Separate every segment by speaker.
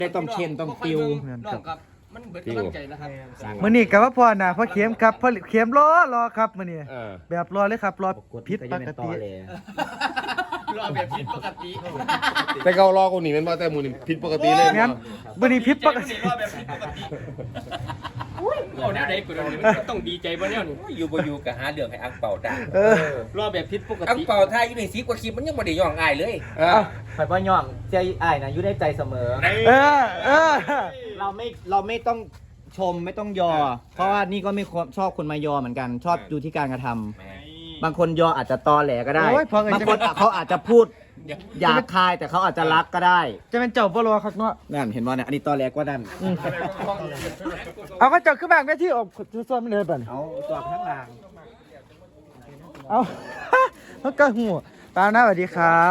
Speaker 1: ได้ต้องเชนต้องติว
Speaker 2: น้องครับมันเบิดกำลังใจนะครับ
Speaker 3: มื้อนี้ก็ว่าพ่อหน้าพ่อเข็มครับพ่อเข็มรอครับมื้อนี้
Speaker 1: เออ
Speaker 3: แบบรอเลยครับรอผิดปกติ
Speaker 2: รอแบบผิดปกติ
Speaker 4: แต่เขารอคนนี้มันว่าแต่หมูนี่ผิดปกติเลย
Speaker 3: งั้นมื้อนี้ผิดปกติ
Speaker 2: รอแบบผิดปกติเอาแนวไหนกูมันต้องดีใจบ่แนวนี้
Speaker 1: อยู่บ่อยู่ก็หาเรื่องให้อังเป่าได้
Speaker 2: รอแบบผิดปก
Speaker 1: อัง
Speaker 2: ติ
Speaker 1: เป่าท่าอยู่ใน10กว่าคลิปมันยังบ่ได้ย่องอายเลย
Speaker 5: ข่อยว่าย่องใจอ้ายนะอยู่ในใจเสมอ
Speaker 3: เออ
Speaker 5: เราไม่ต้องชมไม่ต้องยอ เพราะว่านี่ก็ไม่ชอบคนมายอเหมือนกัน ชอบดูที่การกระทำบางคนยออาจจะตอแหลก็ได้
Speaker 3: โอ้ยพอเอ่ย
Speaker 5: บางคนเขาอาจจะพูดหยาบคายแต่เขาอาจจะรักก็ได้
Speaker 3: จะเป็นเจ้าบ่รอครับเนาะ
Speaker 5: นั่นเห็นว่าเนี่ยอันนี้ตอแหลกว่านั่น
Speaker 3: เอาก็เจ้าขึ้นบ้างได้ที่ออกซ้อมเลยบัด
Speaker 5: เอาตัวข้างล่าง
Speaker 3: เอา แล้วก็หัวปาหน้าสวัสดีครับ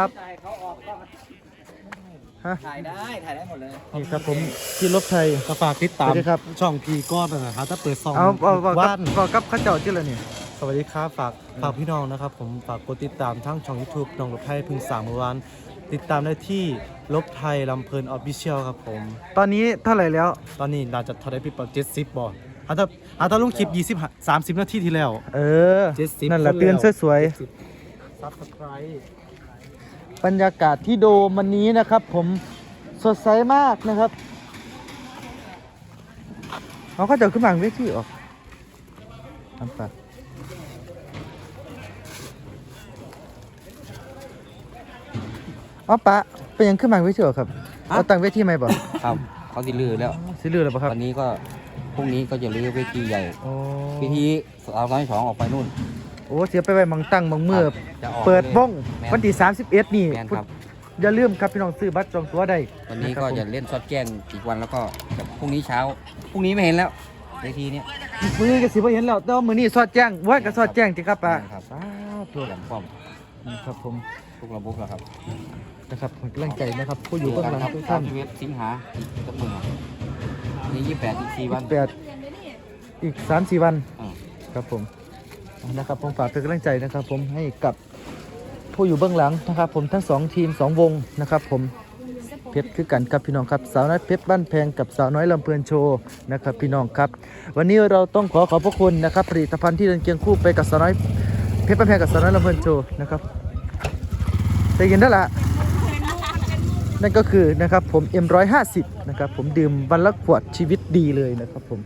Speaker 5: ถ่ายได้หมดเลย
Speaker 3: นี่ครับผมที่รถไทย
Speaker 6: ก็ฝากติดตาม
Speaker 3: สวัสดีครับ
Speaker 6: ช่องพีก้อนนะครับถ้าเปิดซอง
Speaker 3: เอาบอก
Speaker 6: ว่าน
Speaker 3: กับข้าเจ้าที่ละนี่
Speaker 6: สวัสดีครับฝากพี่น้องนะครับผมฝากกดติดตามทั้งช่อง YouTube น้องลบไทยพึ่งสามเมื่อวานติดตามได้ที่ลบไทยลำเพลินออฟฟิเชียลครับผม
Speaker 3: ตอนนี้เท่าไหร่แล้ว
Speaker 6: ตอนนี้น่าจะทอได้พี่ปอ70บ่ถ้าลงคลิป20 30นาทีที่แล้ว
Speaker 3: เออ
Speaker 6: 70
Speaker 3: นั่นแหละ
Speaker 6: คนแล้ว
Speaker 3: เตือนสวย
Speaker 6: ซับสไครต์
Speaker 3: ๆบรรยากาศที่โดมวันนี้นะครับ ผมสดใสมากนะครับเขาก็จะขึ้นมาเวทีออกทำปากอ๋อปะเป็นยังขึ้นมาเวทีออกครับเอาตั้งเวทีไหมบ่
Speaker 1: ครับเขาสิลือแล้ว
Speaker 3: สิลือแล้วบ่ครับ
Speaker 1: วันนี้ก็พรุ่งนี้ก็จะลื้อเวทีใหญ่
Speaker 3: โอ้
Speaker 1: เวทีเอาน้อย2ออกไปนู่น
Speaker 3: โอ้เสียไปไว้มังตั้งมังเมื่อ
Speaker 1: จะออก
Speaker 3: เปิดวง
Speaker 1: แม่น
Speaker 3: วันที่31นี่
Speaker 1: แม่นครับ
Speaker 3: อย่าลืมครับพี่น้องซื้อบัตรจองตั๋วได้
Speaker 1: วันนี้
Speaker 3: ค
Speaker 1: ก็
Speaker 3: รับผม
Speaker 1: จะเล่นซอดแจ้งอีกวันแล้วก็จะพรุ่งนี้เช้าพรุ่งนี้ไม่เห็นแล้วเวทีเนี้ย
Speaker 3: มื้อนี้ก็สิบ่เห็นแล้วแต่ว่ามื้อนี้สอดแจ้งว่าก็สอดแจ้งติครับป้า
Speaker 1: ครับ
Speaker 3: สาธุ
Speaker 1: หลังป้อม
Speaker 3: ครับผม
Speaker 1: ทุกระบบแล้วครับ
Speaker 3: นะครับผมกำลังใจนะครับผู้อยู่เบื้องหลังทุกท่าน
Speaker 1: 21สิงหาอีกสักมือนี่28อีก4วัน
Speaker 3: 8อีก 3-4 วัน
Speaker 1: อ่า
Speaker 3: ครับผมนะครับผมฝากเป็นกำลังใจนะครับ ผมให้กับผู้อยู่เบื้องหลังนะครับ ผมทั้ง2ทีม2วงนะครับผมเพชรคือกันครับพี่น้องครับสาวน้อยเพชรบ้านแพงกับสาวน้อยลำเพลินโชว์นะครับพี่น้องครับ วันนี้เราต้องขอบพระคุณนะครับผลิตภัณฑ์ที่เดินเคียงคู่ไปกับสาวน้อยเพชรบ้านแพงกับสาวน้อยลำเพลินโชว์นะครับได้ยินแล้วล่ะนั่นก็คือนะครับผม M150 นะครับผมดื่มวันละขวดชีวิตดีเลยนะครับผม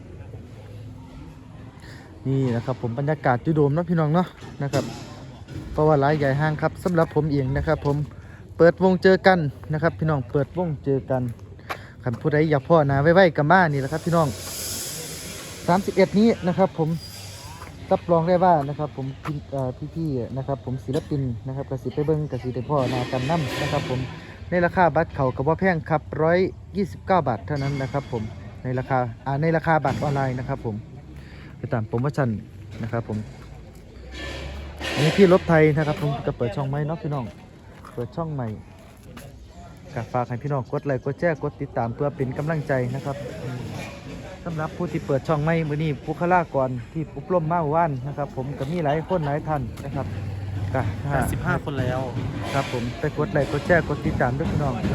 Speaker 3: นี่นะครับผมบรรยากาศจุโดมเนาะพี่น้องเนาะนะครับเพราะว่าหลายใหญ่ห้างครับสำหรับผมเองนะครับผมเปิดวงเจอกันนะครับพี่น้องเปิดวงเจอกันคันผู้ใดอยากพ่อหนาไว้กับบ้านนี่แหละครับพี่น้อง31นี้นะครับผมรับรองได้ว่านะครับผมพี่ๆนะครับผมศิลปินนะครับกสิไปเบิ้งกสิได้พ่อหนากันน้ำนะครับผมในราคาบัตรเขากับว่าแพงครับ129 บาทเท่านั้นนะครับผมในราคาบัตรออนไลน์นะครับผมไปตามโปรโมชั่นนะครับผมอันนี้พี่รถไทยนะครับผมจะเปิดช่องใหม่เนาะพี่น้องเปิดช่องใหม่ก็ฝากให้พี่น้องกดไลค์กดแชร์กดติดตามเพื่อเป็นกำลังใจนะครับสำหรับผู้ที่เปิดช่องใหม่มื้อนี้บุคลากรที่อบรมมาเมื่อวานนะครับผมก็มีหลายคนหลายท่านนะครับก็
Speaker 6: 85คนแล้ว
Speaker 3: ครับผมไปกดไลค์กดแชร์กดติดตามด้วยพี่น้อง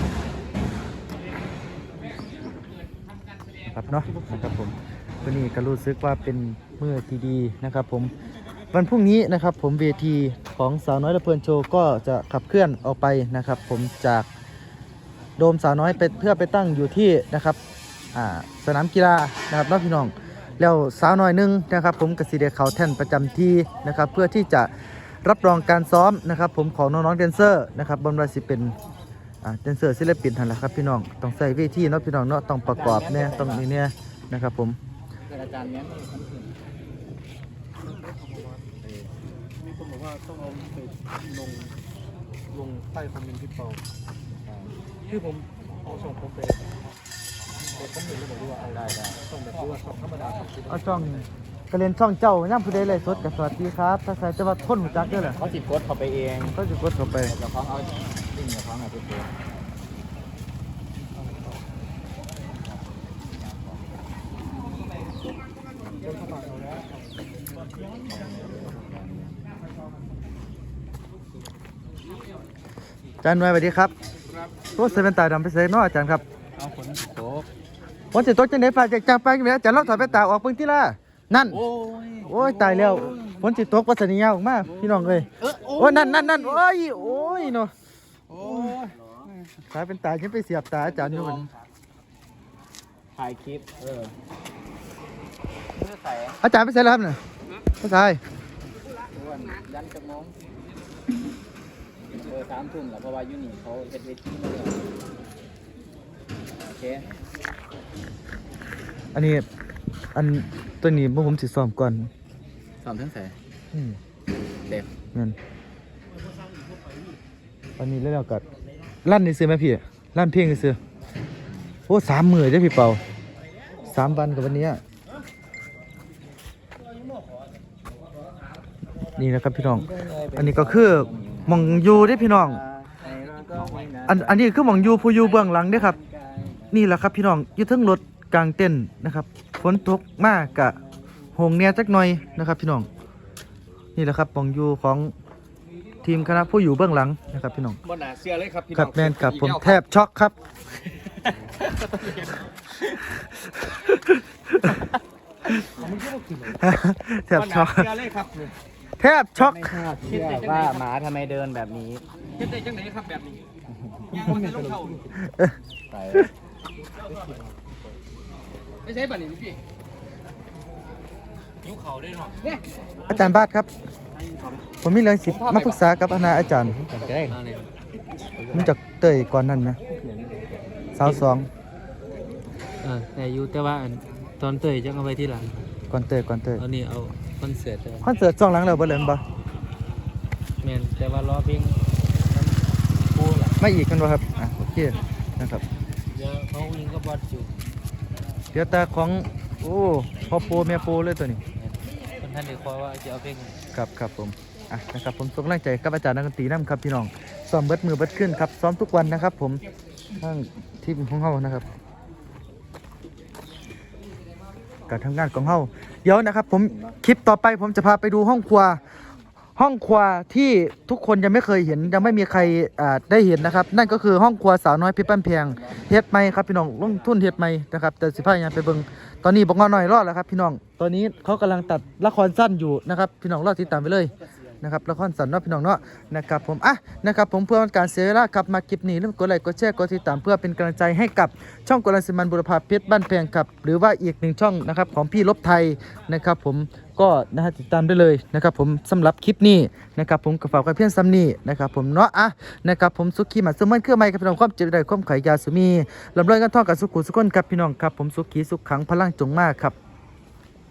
Speaker 3: ครับเนาะนะครับผมวันนี้ก็รู้สึกว่าเป็นมื้อที่ดีนะครับผมวันพรุ่งนี้นะครับผมเวทีของสาวน้อยลำเพลินโชว์ก็จะขับเคลื่อนออกไปนะครับผมจากโดมสาวน้อยเพื่อไปตั้งอยู่ที่นะครับสนามกีฬานะครับน้องพี่น้องแล้วสาวน้อยนึงนะครับผมกสิเดเขาแท่นประจำที่นะครับเพื่อที่จะรับรองการซ้อมนะครับผมของน้องๆแดนเซอร์นะครับบนราศีเป็นแดนเซอร์ศิลปินทันละครับพี่น้องต้องใส่เวทีเนาะพี่น้องเนาะต้องประกอบเนี่ยต้องนี่เนี่ยนะครับผม
Speaker 5: อาจารย์เนี้ย
Speaker 6: มีคนบอกว่าต้องเอาไปลงใต้คอมเมนต์พี่เปาคือผมเอาส่งผมไปคอมเมนต์แล้วบอกว่าเอาได้ส่งแบบว่าส่งธรรมดาครับ
Speaker 3: เอาช่องก็เรียนช่องเจ้าย่ำผู้ใดเลยสดกับสวัสดีครับถ้าใส่จะว่าทนหัวจักด้วยเหรอ
Speaker 5: เขาสิกดเข้าไปเอง
Speaker 3: ก็จะกดเข้าไป
Speaker 5: แล้วเขาเอาดิ่งกับเขาไปโพส
Speaker 3: อาจารย์หน่วยสวัสดีครับรถเซเว่นตาดำไปเซ็นเนาะอาจารย์ครับ
Speaker 6: เอาขน
Speaker 3: ฝนสิตกจังได๋ฟ้าแจ่งๆไปแม่อาจารย์ลองถอดแว่นตาออกเบิ่งติล่ะนั่นโอ้ยตายแล้วฝนสิตกว่าสัญญาออกมาพี่น้องเอ้ยโอ้ยนั่นโอ้ยเนาะโอ้ยตาเป็นตาฉันไปเสียบตาอาจารย์อยู่มัน
Speaker 5: ถ่ายคลิป
Speaker 3: อาจารย์ไปใส่แล้วครับเนี่ยไม่ใส่
Speaker 5: ยันจะมอง3 ทุ่มแล้วเพราะว่ายูนี่เขาเฮ็ดเวทีมาแล้วโอเค
Speaker 3: อันนี้ตัวนี้พวกผมสิซ้อมก่อน
Speaker 5: สอนทั้งแส
Speaker 3: อืม
Speaker 5: เด็ก
Speaker 3: นั่นอันนี้แล้วก็ลั่นนี่ซื้อไหมพี่ลั่นเพลงนี่ซื้อโอ้3 มื้อเด้อพี่เปา3 วันกับวันนี้นี่นะครับพี่น้องอันนี้ก็คือหม่องอยู่เด้อพี่น้องอันนี้คือหม่องอยู่ผู้อยู่เบื้องหลังเด้อครับนี่แหละครับพี่น้องอยู่เทึงรถกลางเต้นนะครับฝนตกมากกะโหงเนี่ยจักหน่อยนะครับพี่น้องนี่แหละครับหม่องอยู่ของทีมคณะผู้อยู่เบื้องหลังนะครับพี่น้อง
Speaker 2: บ่น่าเชื่อเลยครับพี่น้
Speaker 3: กั
Speaker 2: อบ ง
Speaker 3: แมนกับผมแทบช็อกครับแทบ
Speaker 2: บ่
Speaker 3: ช็
Speaker 2: น่า
Speaker 3: อก
Speaker 2: เชื่อเลยครับ
Speaker 3: แทบช็อก
Speaker 5: ไม่คาดเชื่อว่าหมาทำไมเดินแบบนี้
Speaker 2: เฮ็ดได้จังไดครับแบบนี้ย่างมันจะลงเท่า
Speaker 5: ไป
Speaker 2: ไม่ใช่ป่ะนี่พี่หิวเข่าได้หรอ
Speaker 3: อาจารย์บาทครับ ผมมีเรื่องสิมาปรึกษากับอาจารย์มันจากเตยก่อนนั้นไหมสาวสอง
Speaker 6: แต่อยู่แต่ว่าตอนเตยจะเอาไว้ที่หลัง
Speaker 3: ก่อนเตย
Speaker 6: ตอนนี้เอาคอนเสิร์ต
Speaker 3: คอนเสิร์ตช่องหลังเราบ่เลยบ่
Speaker 6: แมนแต่ว่ารอเพลงปูล่ะ
Speaker 3: ไม่อีกกันบ่ครับโอเคนะครับ
Speaker 6: เดี๋ยวเขายิงก็บอดอยู่
Speaker 3: เดี๋ยวตาของโอ้พ่อโปแม่โปเลยตัวนี้
Speaker 6: คนท่านเดี๋ยวคอยว่าจะเอาเพลง
Speaker 3: ครับผมนะครับผมส่งกำลังใจกับอาจารย์นักดนตรีนำครับพี่น้องซ้อมเบิดมือเบิดขึ้นครับซ้อมทุกวันนะครับ ผมทั้งทีมของเฮานะครับการทำงานของเฮาเดี๋ยวนะครับ ผมคลิปต่อไปผมจะพาไปดูห้องครัวที่ทุกคนยังไม่เคยเห็นยังไม่มีใครได้เห็นนะครับ นั่นก็คือห้องครัวสาวน้อยเพชรบ้านแพงเฮ็ดใหม่ครับพี่น้องลงทุนเฮ็ดใหม่นะครับแต่สิพายังไปเบิ่งตอนนี้บอกงอหน่อยรอดแล้วครับพี่น้องตอนนี้เขากำลังตัดละครสั้นอยู่นะครับพี่น้องรอติดตามไปเลยนะครับละครสั้นเนาะพี่น้องเนาะนะครับผมนะครับผมเพื่อการเสียเวลาครับมาคลิปนี้ลืมกดไลค์กดแชร์กดติดตามเพื่อเป็นกำลังใจให้กับช่องกลันสิมันบุรพาเพชรบ้านแพงครับหรือว่าอีก1ช่องนะครับของพี่ลบไทยนะครับผมก็นะฮะติดตามได้เลยนะครับผมสำหรับคลิปนี้นะครับผมก็ฝากไว้เพียงซ้ำนี้นะครับผมเนาะนะครับผมสุขีมาสมันเครื่องไม้กับพี่น้องความเจ็บได้ความไขยาสุมีลำรวยกันท่อกับสุขุสุขคนครับพี่น้องครับผมสุขีสุขขังพลังจงมากครับ